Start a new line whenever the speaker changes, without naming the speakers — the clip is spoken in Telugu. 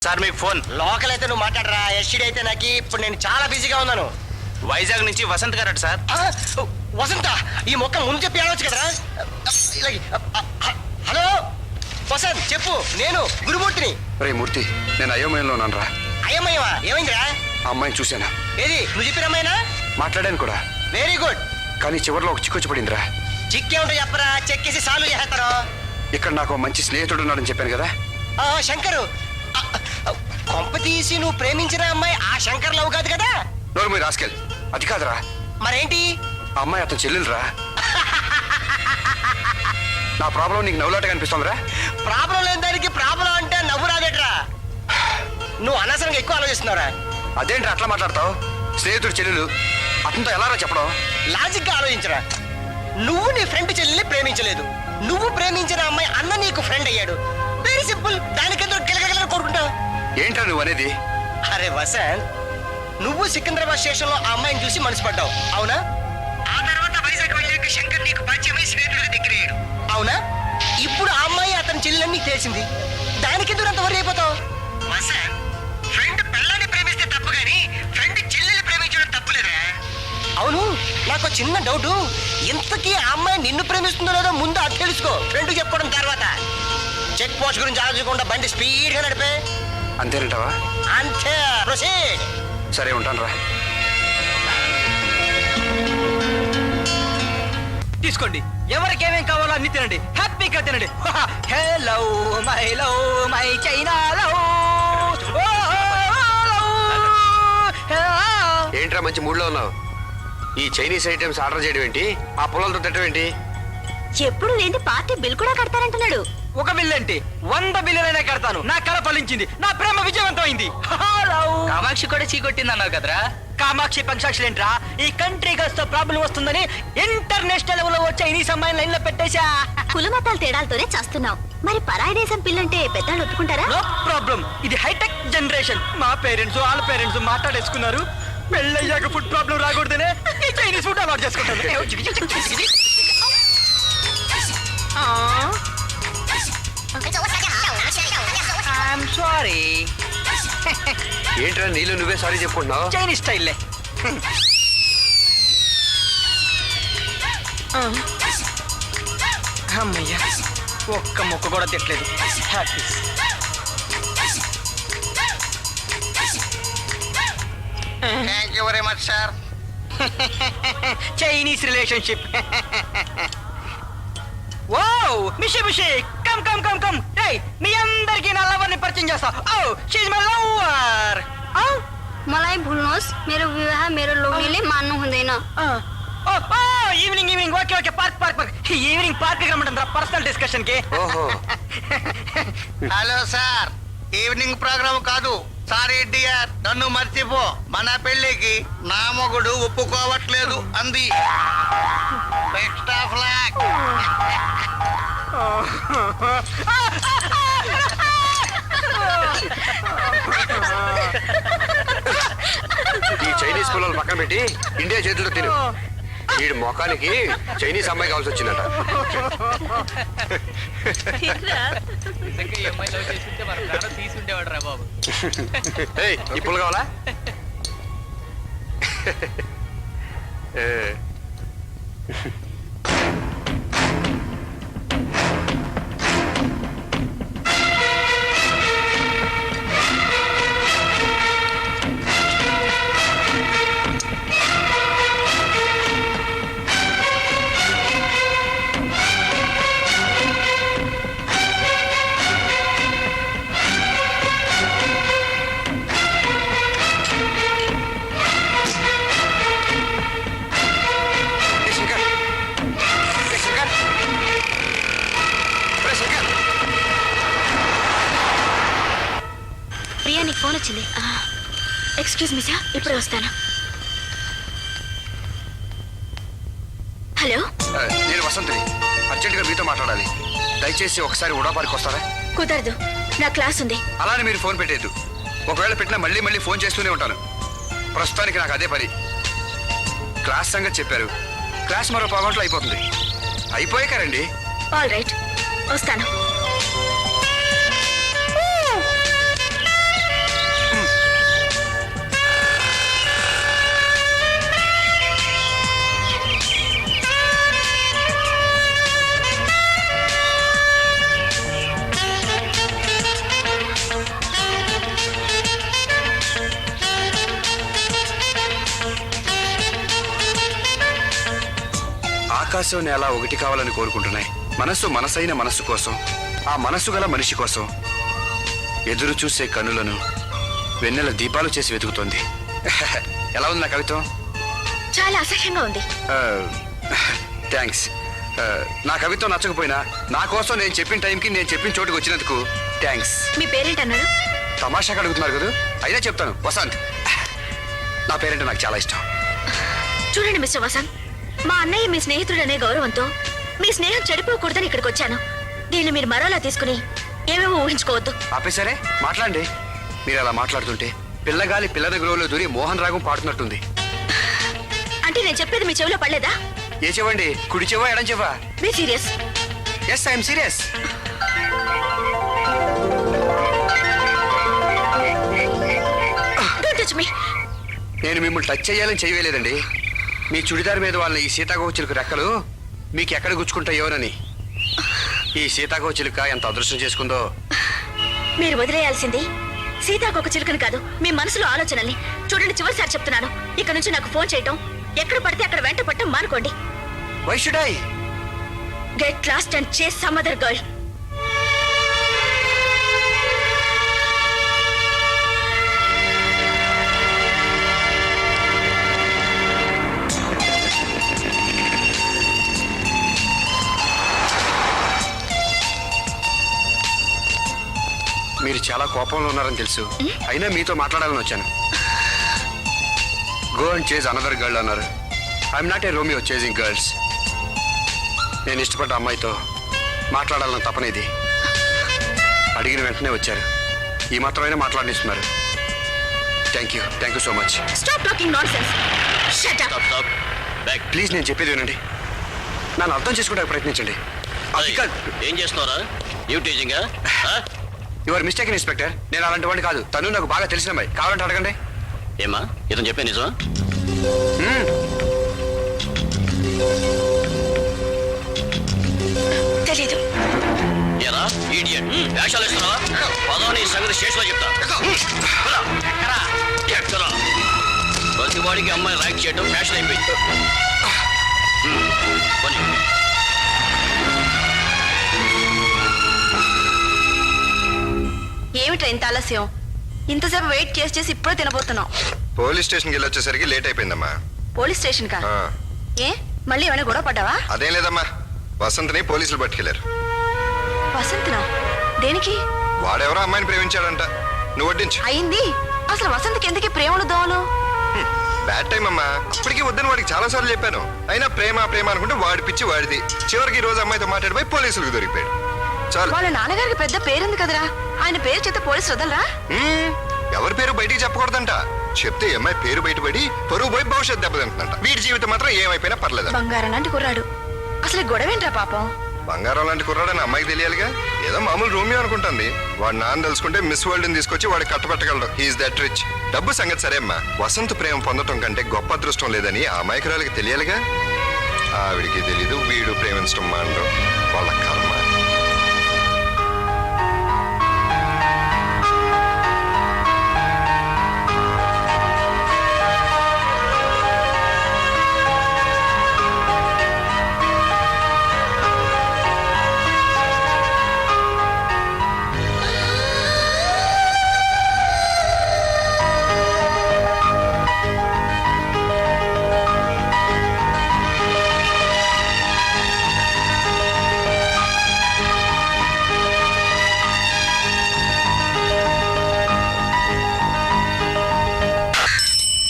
సార్ మీకు ఫోన్.
లోకల్ అయితే నువ్వు మాట్లాడరా, ఎస్టీడీ అయితే నాకు ఇప్పుడు నేను చాలా బిజీగా ఉన్నాను.
వైజాగ్ నుంచి వసంత్ గారట సార్.
వసంత, ఈ మొక్క ముందు చెప్పి ఆడవచ్చు కదరా. హలో వసంత్, చెప్పు, నేను గురుమూర్తిని.
రే మూర్తి, నేను అయోమయంలో ఉన్నాను రా.
అయ్యమ్మయ్యవా, ఏమైందిరా?
ఆ అమ్మాయిని చూశాను,
ఏది నువ్వు చెప్పిన అమ్మాయినా?
మాట్లాడాను కూడా.
Very good.
కానీ చివరిలో ఒక చిక్కొచ్చి పడిందిరా.
చిక్కే ఉంటే చెప్పరా, చెక్కేసి సాల్వ్ చేస్తారు.
ఇక్కడ నాకు మంచి స్నేహితుడు ఉన్నాడని చెప్పాను కదా.
శంకరు, కొంప తీసి నువ్వు ప్రేమించిన అమ్మాయి ఆ శంకర్ లవ్ కాదు కదా?
నోరు మీరు రాసుకెళ్ళి. అది కాదురా.
మరేంటి?
ఆ అమ్మాయి అతను చెల్లెలురా. నా ప్రాబ్లం నీకు నవ్వులాటగా అనిపిస్తుందిరా.
ప్రాబ్లం లేని దానికి ప్రాబ్లం అంటే నవ్వు రాదేట్రా. నువ్వు అనవసరంగా ఎక్కువ ఆలోచిస్తున్నావురా.
అదేంట్రా అట్లా మాట్లాడతావు? స్నేహితుడు చెల్లెలు అతనితో ఎలారా చెప్పడం?
లాజిక్ గా ఆలోచించరా. నువ్వు నీ ఫ్రెండ్ చెల్లెల్ని ప్రేమించలేదు, నువ్వు ప్రేమించిన అమ్మాయి అన్న నీకు ఫ్రెండ్ అయ్యాడు. Very simple. దానికెందుకు గిలగల కోరుకుంటావు?
ఏంట్రా నువ్వు అనేది?
అరే వసంత్, నువ్వు సికింద్రాబాద్ స్టేషన్ లో ఆ అమ్మాయిని చూసి మనసు పడ్డావు, అవునా? ఆ తర్వాత వైజాగ్ వెళ్ళాక శంకర్ నీకు పరిచయమై స్నేహితుడిగా దగ్గరయ్యాడు, అవునా? ఇప్పుడు ఆ అమ్మాయి అతని చెల్లెలని నీకు తెలిసింది. దానికెందుకు అంత వరి అయిపోతావు? వసంత్, ఫ్రెండ్ పిల్లని ప్రేమిస్తే తప్పు గాని ఫ్రెండ్ చెల్లెల్ని ప్రేమించడం తప్పులేదా? అవును, నాకు చిన్న డౌట్. ఇంతకీ ఆ అమ్మాయి నిన్ను ప్రేమిస్తుందో లేదో ముందు అది తెలుసుకో, ఫ్రెండ్ చెప్పుకోవడం తర్వాత. చెక్ పోస్ట్ గురించి ఆలోచించకుండా బండి స్పీడ్ గా నడిపే.
అంతేనంటావా?
అంతే, ప్రొసీడ్.
సరే, ఉంటాను రా.
తీసుకోండి, ఎవరికి ఏమేం కావాలో అన్ని తినండి, హ్యాపీగా తినండి. Hello my love my China love.
ఏంట్రా మంచి మూడ్లో ఉన్నావు? ఈ చైనీస్ ఐటమ్స్ ఆర్డర్ చేయడం ఏంటి? ఆ పొలాలతో తిట్టడం ఏంటి?
ఎప్పుడు లేని పార్టీ బిల్ కూడా కడతారంటున్నాడు.
ఒక బిల్ ఏంటి, 100 బిల్లులైనా కడతాను. నా కళ ఫలించింది, నా ప్రేమ విజయవంతమైంది.
కామాక్షి కూడా చీకొట్టింది అన్నావు కదరా.
కామాక్షి పంచాక్షులు ఏంట్రా? ఈ కంట్రీ తో ప్రాబ్లం వస్తుందని ఇంటర్నేషనల్ లెవెల్ లో వచ్చే ఈ సమయం లైన్ లో పెట్టేశా.
కులమతాల తేడాలతోనే చేస్తున్నావు. మరి పరాయి దేశం పిల్లంటే పెద్దలు ఒప్పుకుంటారా?
No problem. ఇది హైటెక్ జనరేషన్. మా పేరెంట్స్ వాళ్ళ పేరెంట్స్ మాట్లాడేసుకున్నారు. పెళ్ళయ్యాక ఫుడ్ ప్రాబ్లం రాకూడదనే ఈ చైనీస్ ఫుడ్ అలవాటు చేసుకుంటారు. I'm sorry.
ఏంట్రా నీళ్ళు నువ్వే సారీ చెప్పుకుంటున్నావు?
చైనీస్ స్టైల్లే. అమ్మయ్యా, ఒక్క మొక్క కూడా తిట్టలేదు. Happy.
Thank you very much sir.
Chinese relationship. Wow, Mishi Mishi, come come come come. రేయ్, మీ అందరికీ నా లవర్ ని పరిచయం చేస్తా. ఓ, షీ ఇస్ మై లవర్.
मलाई भूल्नुहोस्, मेरो विवाह मेरो लोग्नेले मान्नु हुँदैन.
ఓ ఓ, evening evening. Okay okay, park park park. Evening park రమ్మంటారా పర్సనల్ డిస్కషన్ కి?
ఓహో.
హలో సార్, ఈవినింగ్ ప్రోగ్రామ్ కాదు. సారీ డియర్, నన్ను మర్చిపో. మన పెళ్లికి నా మొగుడు ఒప్పుకోవట్లేదు అంది. Extra flag.
ఈ చైనీస్ పొలాలు పక్కన పెట్టి ఇండియా చేతుల్లో తిను. వీడి మొఖానికి చైనీస్ అమ్మాయి కావాల్సి వచ్చిందట.
నిజంగా ఈ అమ్మాయి లవ్ చేస్తుంటే మన ప్రాణం తీసుండేవాడు రా బాబు.
ఏయ్, ఈ పుల్ల కావాలా?
ప్రియా, నీకు ఫోన్ వచ్చింది. ఎక్స్క్యూజ్ మీ సార్, ఇప్పుడే వస్తాను. హలో,
నేను వసంతిని. అర్జెంటుగా మీతో మాట్లాడాలి. దయచేసి ఒకసారి ఉడాపారికి వస్తారా?
కుదరదు, నా క్లాస్ ఉంది.
అలానే మీరు ఫోన్ పెట్టేద్దు. ఒకవేళ పెట్టినా మళ్ళీ మళ్ళీ ఫోన్ చేస్తూనే ఉంటాను. ప్రస్తుతానికి నాకు అదే పని. క్లాస్ సంగతి చెప్పారు. క్లాస్ మరో పావుగంటలో అయిపోతుంది. అయిపోయాక రండి.
ఆల్ రైట్, వస్తాను.
ఆకాశం నేల ఒకటి కావాలని కోరుకుంటున్నాయి. మనస్సు మనసైన మనస్సు కోసం, ఆ మనస్సు గల మనిషి కోసం ఎదురు చూసే కన్నులను వెన్నెల దీపాలు చేసి వెతుకుతోంది. ఎలా ఉంది నా కవిత్వం?
చాలా అసహ్యంగా ఉంది.
థ్యాంక్స్. నా కవిత్వం నచ్చకపోయినా నా కోసం నేను చెప్పిన టైంకి నేను చెప్పిన చోటుకు వచ్చినందుకు థ్యాంక్స్.
మీ పేరేంటన్నారు?
తమాషాగా అడుగుతున్నారు కదా, అయినా చెప్తాను. వసంత్. నా పేరంటే నాకు చాలా ఇష్టం.
చూడండి మిస్టర్ వసంత్, మా అన్నయ్య మీ స్నేహితుడు అనే గౌరవంతో మీ స్నేహం చెడిపోకూడదని ఇక్కడికి వచ్చాను. దీన్ని మీరు మరోలా తీసుకుని ఏమేమో ఊహించుకోవద్దు.
ఆపేసరే, మాట్లాడండి. మీరు అలా మాట్లాడుతుంటే పిల్లగాలి పిల్లల గ్రోలో దూరి మోహన్ రాగం పాడుతున్నట్టుంది.
అంటే నేను చెప్పేది మీ చెవిలో పడలేదా?
ఏ చెవండి? కుడి చెవా ఎడం చెవా?
Be serious.
Yes, I'm serious.
Don't touch me.
నేను మిమ్మల్ని టచ్ చేయాలని చేయలేదండి. మీ చుడిదార్ మీద వాళ్ళ ఈ సీతాకోచిలుక రెక్కలు మీకు ఎక్కడ గుచ్చుకుంటాయోనని. ఈ సీతాకోచిలుక ఎంత అదృష్టం చేసుకుందో.
మీరు వదిలేయాల్సింది సీతాకొక చిలుకని కాదు, మీ మనసులో ఆలోచనల్ని. చూడండి, చివరిసారి చెప్తున్నాను, ఇక్కడ నుంచి నాకు ఫోన్ చేయటం, ఎక్కడ పడితే అక్కడ వెంట పట్టడం మానుకోండి.
Why should I?
Get lost and chase some other girl.
మీరు చాలా కోపంలో ఉన్నారని తెలుసు, అయినా మీతో మాట్లాడాలని వచ్చాను. Go and chase another girl అన్నారు. I'm not a Romeo chasing girls. నేను ఇష్టపడ్డ అమ్మాయితో మాట్లాడాలని తపనేది. అడిగిన వెంటనే వచ్చారు. ఈ మాత్రమైనా మాట్లాడిస్తున్నారు. Thank you so much.
Stop talking nonsense. Shut up.
Please, నేను చెప్పేది వినండి. నన్ను అర్థం చేసుకోవడానికి ప్రయత్నించండి.
ఏం చేస్తున్నారా?
Your mistake inspector. నేను అలాంటి వాడిని కాదు. తను నాకు బాగా తెలిసిన అమ్మాయి. కావాలంటే అడగండి.
ఏమా ఇతను చెప్పే నిజమా?
తెలీదు.
ఎలా ఈడియట్ వేషాలు ఇస్తున్నావా? పదవని సంగతి స్టేషన్లో చెప్తా. ఎక్కడా ప్రతి వాడికి అమ్మాయి రైక్ చేయడం ఫ్యాషన్ అయిపోయింది.
ఏమిట్రా ఇంత ఆలస్యం? ఇంతసేపు వెయిట్ చేసి ఇప్పుడే తినబోతున్నాం.
పోలీస్ స్టేషన్కి వెళ్ళి వచ్చేసరికి లేట్ అయిపోయిందమ్మా.
పోలీస్ స్టేషన్ కా?
ఆ,
ఏ మళ్ళీ ఏమైనా గొడవ పడ్డావా?
అదేం లేదమ్మా. వసంత్ని పోలీసులు పట్టుకెళ్లారు.
వసంత్నా? దేనికి?
వాడెవరో అమ్మాయిని ప్రేమించాడంట. నువ్వు వడ్డించు.
అయింది. అసలు వసంత్కి ఎందుకే ప్రేమలు దోవలు?
బ్యాడ్ టైం అమ్మా. ఇప్పటికీ వద్దని వాడికి చాలా సార్లు చెప్పాను. అయినా ప్రేమ అనుకుంటే వాడి పిచ్చి వాడిది. చివరికి ఈ రోజు అమ్మాయితో మాట్లాడిపోయి పోలీసులకు దొరికిపోయాడు. చాలు.
వాళ్ళ నాన్నగారికి పెద్ద పేరుంది కదరా, ఆయన పేరు చెప్తే పోలీసు వదలరా?
ఎవరి పేరు బయటికి చెప్పకూడదంట. చెప్తే ఈ అమ్మాయి పేరు బయటపడి పరువు పోయి భవిష్యత్తు దెబ్బతింటుందంట. వీడి జీవితం మాత్రం ఏమైపోయినా పర్లేదు.
బంగారం లాంటి కుర్రాడు. అసలు గొడవేంట్రా పాపం?
బంగారం లాంటి కుర్రాడని అమ్మాయికి తెలియాలిగా. ఏదో మామూలు రోమియో అనుకుంటుంది. వాడు నాన్న తెలుసుకుంటే మిస్ వరల్డ్ ని తీసుకొచ్చి వాడు కట్టబెట్టగలడు. He's that rich. డబ్బు సంగతి సరే అమ్మా. వసంత ప్రేమ పొందటం కంటే గొప్ప అదృష్టం లేదని ఆ అమాయకురాలకి తెలియాలిగా. ఆవిడికి తెలీదు వీడు ప్రేమించడం మానడం వాళ్ళ కర్మ.